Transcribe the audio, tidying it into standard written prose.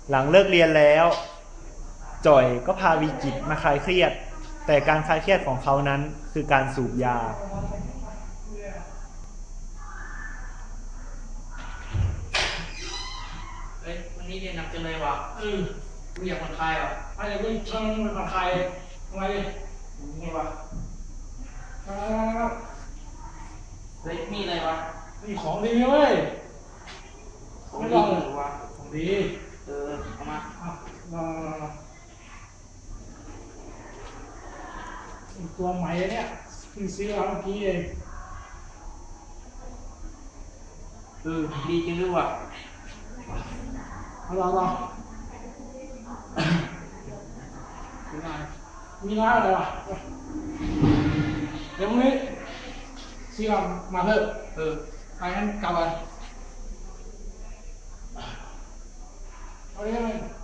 หลังเลิกเรียนแล้วจ่อยก็พาวีกิจมาคลายเครียดแต่การคลายเครียดของเขานั้นคือการสูบยาเฮ้ยวันนี้เรียนหนักจังเลยว่ะกูอยากผ่อนคลายว่ะอะไรก็ชวนมันผ่อนคลายทำไมดินี่วะเฮ้ยมีอะไรวะนี่ของดีเว้ยของไม่ดีลองหรือวะของดีเอามาลองตัวใหม่เนี่ยเพิ่งซื้อมาเมื่อกี้เองดีจริงด้วยว่ะเอาลองมีน้อยอะไรวะเดี๋ยวพรุ่งนี้ซื้อมาเพิ่มไปงั้นกลับกันเอาเลย